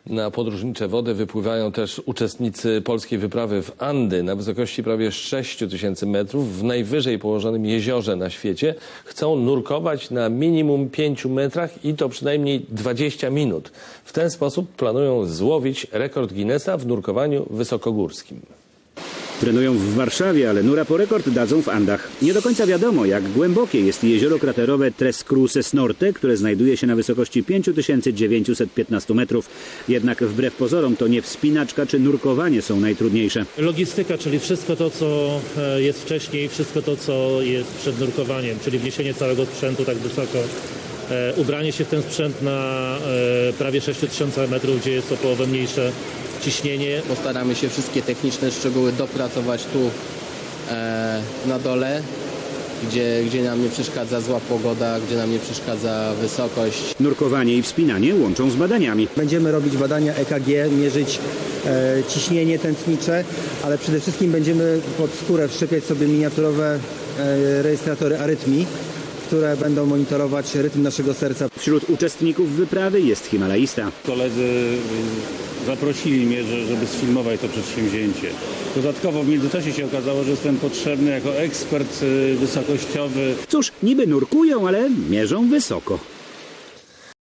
Na podróżnicze wody wypływają też uczestnicy polskiej wyprawy w Andy na wysokości prawie 6000 metrów w najwyżej położonym jeziorze na świecie. Chcą nurkować na minimum 5 metrach i to przynajmniej 20 minut. W ten sposób planują złowić rekord Guinnessa w nurkowaniu wysokogórskim. Trenują w Warszawie, ale nura po rekord dadzą w Andach. Nie do końca wiadomo, jak głębokie jest jezioro kraterowe Tres Cruces Norte, które znajduje się na wysokości 5915 metrów. Jednak wbrew pozorom to nie wspinaczka czy nurkowanie są najtrudniejsze. Logistyka, czyli wszystko to, co jest wcześniej, wszystko to, co jest przed nurkowaniem, czyli wniesienie całego sprzętu tak wysoko, ubranie się w ten sprzęt na prawie 6000 metrów, gdzie jest o połowę mniejsze ciśnienie. Postaramy się wszystkie techniczne szczegóły dopracować tu na dole, gdzie nam nie przeszkadza zła pogoda, gdzie nam nie przeszkadza wysokość. Nurkowanie i wspinanie łączą z badaniami. Będziemy robić badania EKG, mierzyć ciśnienie tętnicze, ale przede wszystkim będziemy pod skórę wszczepiać sobie miniaturowe rejestratory arytmii, które będą monitorować rytm naszego serca. Wśród uczestników wyprawy jest himalaista. Koledzy zaprosili mnie, żeby sfilmować to przedsięwzięcie. Dodatkowo w międzyczasie się okazało, że jestem potrzebny jako ekspert wysokościowy. Cóż, niby nurkują, ale mierzą wysoko.